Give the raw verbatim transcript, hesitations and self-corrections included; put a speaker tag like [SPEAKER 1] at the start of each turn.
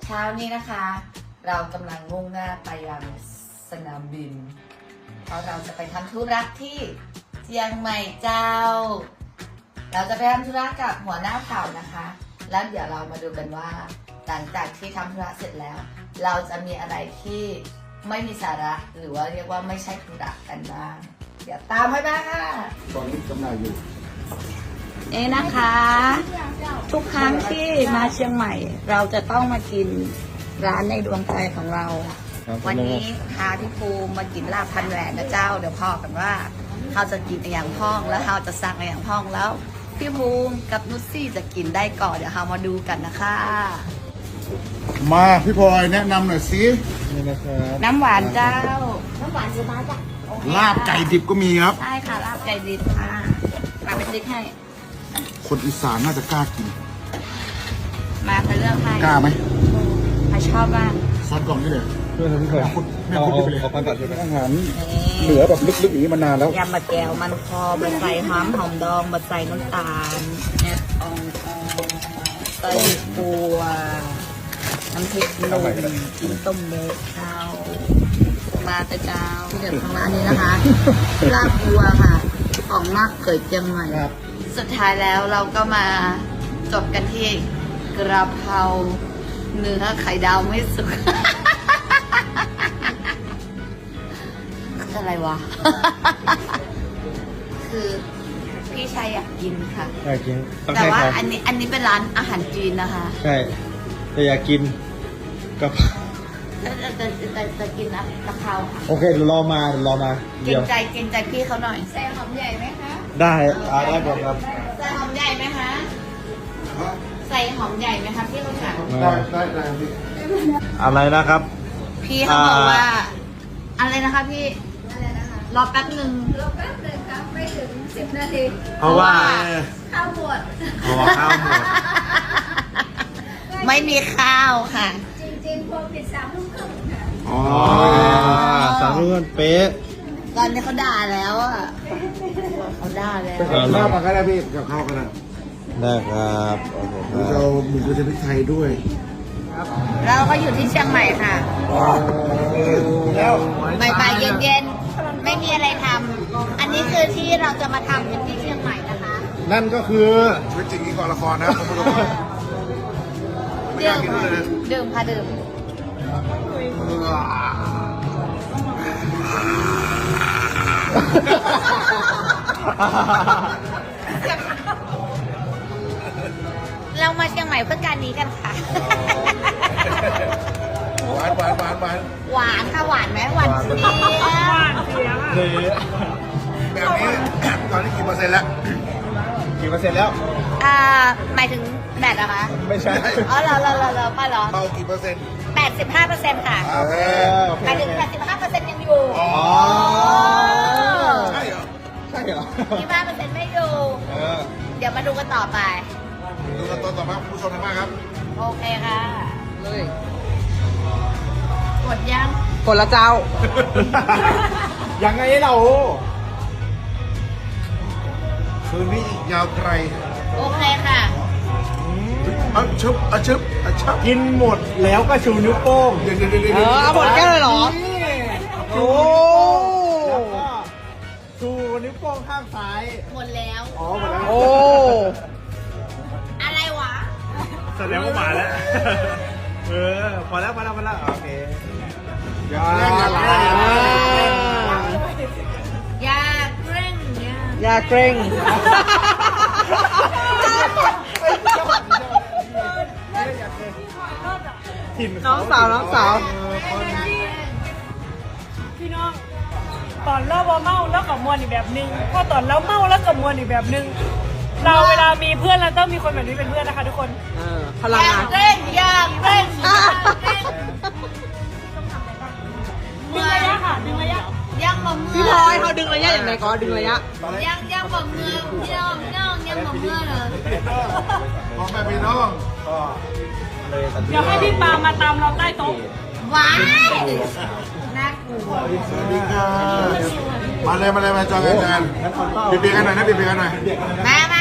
[SPEAKER 1] เช้านี้นะคะ เรากำลังมุ่งหน้าไปยังสนามบินเพราะเราจะไปทำธุระที่เชียงใหม่เจ้า เราจะไปทำธุระกับหัวหน้าเผ่านะคะ แล้วเดี๋ยวเรามาดูกันว่าหลังจากที่ทำธุระเสร็จแล้ว เราจะมีอะไรที่ไม่มีสาระหรือว่าเรียกว่าไม่ใช่ธุระกันบ้างเดี๋ยวตามให้มาค่ะ
[SPEAKER 2] ตอนนี้จำหน่ายอยู่
[SPEAKER 1] เอ๊นะคะ ทุกครั้งที่มาเชียงใหม่ เราจะต้องมากินร้านในดวงใจของเรา วันนี้พาพี่ภูมิมากินลาบพันแหวนนะเจ้าเดี๋ยวพอกันว่าเขาจะกินอย่างพ้องแล้วเขาจะสั่งอย่างพ้องแล้วพี่ภูมิกับนุชซี่จะกินได้ก่อนเดี๋ยวเรามาดูกันนะคะ
[SPEAKER 2] มาพี่พลอยแนะนำหน่อยสิ
[SPEAKER 3] นี่นะครับ
[SPEAKER 1] น้ำหวานเจ้าน้ำหวานจะมาจ้ะ
[SPEAKER 2] ลาบไก่ดิบก็มีครับ
[SPEAKER 1] ใช่ค่ะลาบไก่ดิบค่ะมาเป็นติ๊กให้
[SPEAKER 2] คนอีสานน่าจะกล้ากิน
[SPEAKER 1] มาไปเลือกให้
[SPEAKER 2] กล้าไหม
[SPEAKER 1] ใครชอบบ้าง
[SPEAKER 2] ซอสกล่องนี่เลย
[SPEAKER 3] เพื่อนพี่เพื่อน
[SPEAKER 2] คุณแม่
[SPEAKER 3] เอา
[SPEAKER 2] คุณ
[SPEAKER 3] เอา
[SPEAKER 2] ไปเลย
[SPEAKER 3] เอาปันตัดใช่ไหม
[SPEAKER 2] อาหารเหลือแบบลึกๆอย่างนี้มานานแล้ว
[SPEAKER 1] ยำมะแก้วมันคอบัใส่หอมหอมดองบัใส่น้ำตาลแอดอองอองเต้ยปัวน้ำพริกหนุ่มกินต้มเนื้อข้าวมาแต่เจ้าที่เด็ดของร้านนี้นะคะลาบวัวค่ะ ของมากเกิดเชียงใหม่
[SPEAKER 2] ครับ
[SPEAKER 1] สุดท้ายแล้วเราก็มาจบกันที่กระเพราเนื้อไข่ดาวไม่สุก อะไรวะ คือพี่ชายอยากกินค่ะ
[SPEAKER 3] อยากกินต้อง
[SPEAKER 1] แต่
[SPEAKER 3] ให้
[SPEAKER 1] ว่า
[SPEAKER 3] เขา
[SPEAKER 1] อันนี้อันนี้เป็นร้านอาหารจีนนะคะ
[SPEAKER 3] ใช่แต่อยากกินกับ
[SPEAKER 1] จะจะจะจะจะกินนะกะเพราค่ะ
[SPEAKER 3] โอเคเดี๋ยวรอมาเดี๋ยวรอมา
[SPEAKER 1] เกร
[SPEAKER 3] เดี๋ย
[SPEAKER 1] ง
[SPEAKER 3] ว
[SPEAKER 1] ใจเกรงใจพี่เขาหน่อยใส่หอมใหญ่ไหมคะ
[SPEAKER 3] ได้อ่าได้หมดครับ
[SPEAKER 1] ใส่หอมใหญ่ไหมคะใส่หอมใหญ่ไหมคะพี่เขาสั่ง
[SPEAKER 2] ได้ได้ได้พี่
[SPEAKER 3] อะไรนะครับ
[SPEAKER 1] พี่เขาบอก
[SPEAKER 3] อ่า
[SPEAKER 1] ว่า อะไรนะคะพี่รอแป๊บหนึ่ง
[SPEAKER 4] รอแป๊บนึงครับไม่ถึงสิบนาที
[SPEAKER 3] เพราะว่า
[SPEAKER 4] ข้าวหมด
[SPEAKER 3] เพราะว่าข้าวหมด
[SPEAKER 1] ไม่มีข้าวค่ะ
[SPEAKER 4] จริงๆพอปิดสามทุ่มครึ่งค่ะ
[SPEAKER 2] อ๋อ
[SPEAKER 3] อ๋อสามเรื่องเป๊ะ
[SPEAKER 1] ตอนนี้เขาด่าแล้วอ่ะเขาด่าแล้ว
[SPEAKER 2] ไปกับข้าวมาก็ได้พี่กับข้าวก็ได้
[SPEAKER 3] ได้ครับโอเคค
[SPEAKER 2] เราจะ
[SPEAKER 3] รับ
[SPEAKER 2] เอาหมูกระเทียมพริกไทยด้วย
[SPEAKER 1] เราก็อยู่ที่เชียงใหม่ค่ะ
[SPEAKER 2] แล้ว
[SPEAKER 1] บ่ายๆเย็นๆไม่มีอะไรทำอันนี้คือที่เราจะมาทำกันที่เชียงใหม่นะคะ
[SPEAKER 3] นั่นก็คือ
[SPEAKER 2] ชีวิตจริงนี้ก่อนละครนะคุณผู้ชมไม่ก
[SPEAKER 1] ดื่
[SPEAKER 2] ล้าม กินด้วยเลย
[SPEAKER 1] ดื่มค่ะดื่มเรามาเชียงใหม่เพื่อการนี้กันค่ะ
[SPEAKER 2] หวานหวานหวานหวาน
[SPEAKER 1] หวานค่ะหวานไหมหวานเจี๊ยบ
[SPEAKER 3] เลย
[SPEAKER 2] แบบนี้ ตอนนี้กี่เปอร์เซ็นต์แล้ว
[SPEAKER 3] กี่เปอร์เซ็นต์แล้ว
[SPEAKER 1] อ่าหมายถึงแบตอะคะ
[SPEAKER 3] ไม่ใช่
[SPEAKER 1] อ๋อเหรอเหรอเหรอเหรอป้าเหรอ
[SPEAKER 2] เบากี่เปอร์เซ็นต์
[SPEAKER 1] แปดสิบห้าเปอร์เซ็นต์ค่ะ
[SPEAKER 2] โอเค
[SPEAKER 3] โอเค
[SPEAKER 1] หมายถึงแปดสิบห้าเปอร์เซ็นต์ยังอยู่
[SPEAKER 2] อ๋อ
[SPEAKER 3] อ๋อ
[SPEAKER 2] ใช่เหรอ
[SPEAKER 3] ใช่เหรอ
[SPEAKER 1] ยี่ห้าเปอร์เซ็นต์ไม่อยู่
[SPEAKER 3] เออ
[SPEAKER 1] เดี๋ยวมาดูกันต่อไป
[SPEAKER 2] ดูกันตอนต่อมาคุณผู้ชมทางบ้านครับ
[SPEAKER 1] โอเคค่ะเลยกดยัง
[SPEAKER 5] กดละเจ้า
[SPEAKER 3] ยังไงเรา
[SPEAKER 2] คืนนี้อีกยาวไกล
[SPEAKER 1] โอเคค่ะ
[SPEAKER 2] เอาชุบเอาชุบเอาชุบ
[SPEAKER 3] กินหมดแล้วก็ชูนิ้วโป้ง
[SPEAKER 2] เดี๋ยวเดี๋ยวเดี๋ยว
[SPEAKER 5] เอ
[SPEAKER 2] เดี๋ยว
[SPEAKER 5] อเอาหมดแก้วเลยเหรอ
[SPEAKER 3] โอ้แล้วก็ชูนิ้วโป้งข้างซ้าย
[SPEAKER 1] หมดแล้ว
[SPEAKER 3] อ๋อหมดแล้ว
[SPEAKER 5] โอ้
[SPEAKER 1] อะไรวะ
[SPEAKER 3] แสดงว่ามาแล้ว เออ พอแล้วพอแล้วพอแล้วโอเค
[SPEAKER 2] อย่าแกล้งอย่าแกล้งอย่าแกล้ง
[SPEAKER 1] อย่าเกรงเนี่ย
[SPEAKER 5] อย่าเกรง
[SPEAKER 3] ถิ่น
[SPEAKER 5] น้องสาวน้องสาว
[SPEAKER 6] พี่น้องตอนเราบ่เมาแล้วกับมวลอีกแบบนึงพอตอนเราเมาแล้วกับมวลอีกแบบนึง เราเวลามีเพื่อนเราต้องมีคนแบบนี้เป็นเพื่อนนะคะทุกคน
[SPEAKER 5] เออพลังงาน
[SPEAKER 1] เกรงอย่าเกรงอย่าเกรง
[SPEAKER 6] ดึงระยะค่ะ ดึงระยะ
[SPEAKER 1] ยังบ่เมื่
[SPEAKER 5] พี่พลอยเขาดึงระยะอย่างไรก็ดึงระยะ
[SPEAKER 1] ยังยังบ่เมื่อพี่น้องพี่น้องยังบ่เมื่อเลย
[SPEAKER 2] พ่อแม่พี่น้อง
[SPEAKER 3] ก็เลยตัดสิน
[SPEAKER 6] เดี๋ยวให้พี่ปามาตามเราใต้โต๊ะ
[SPEAKER 1] ว้ายน่ากลัว
[SPEAKER 2] สวัสดีครับมาเลยมาเลยมาจองกันกันเบียร์กันหน่อยนะเบียร์กันหน่อย
[SPEAKER 1] มามา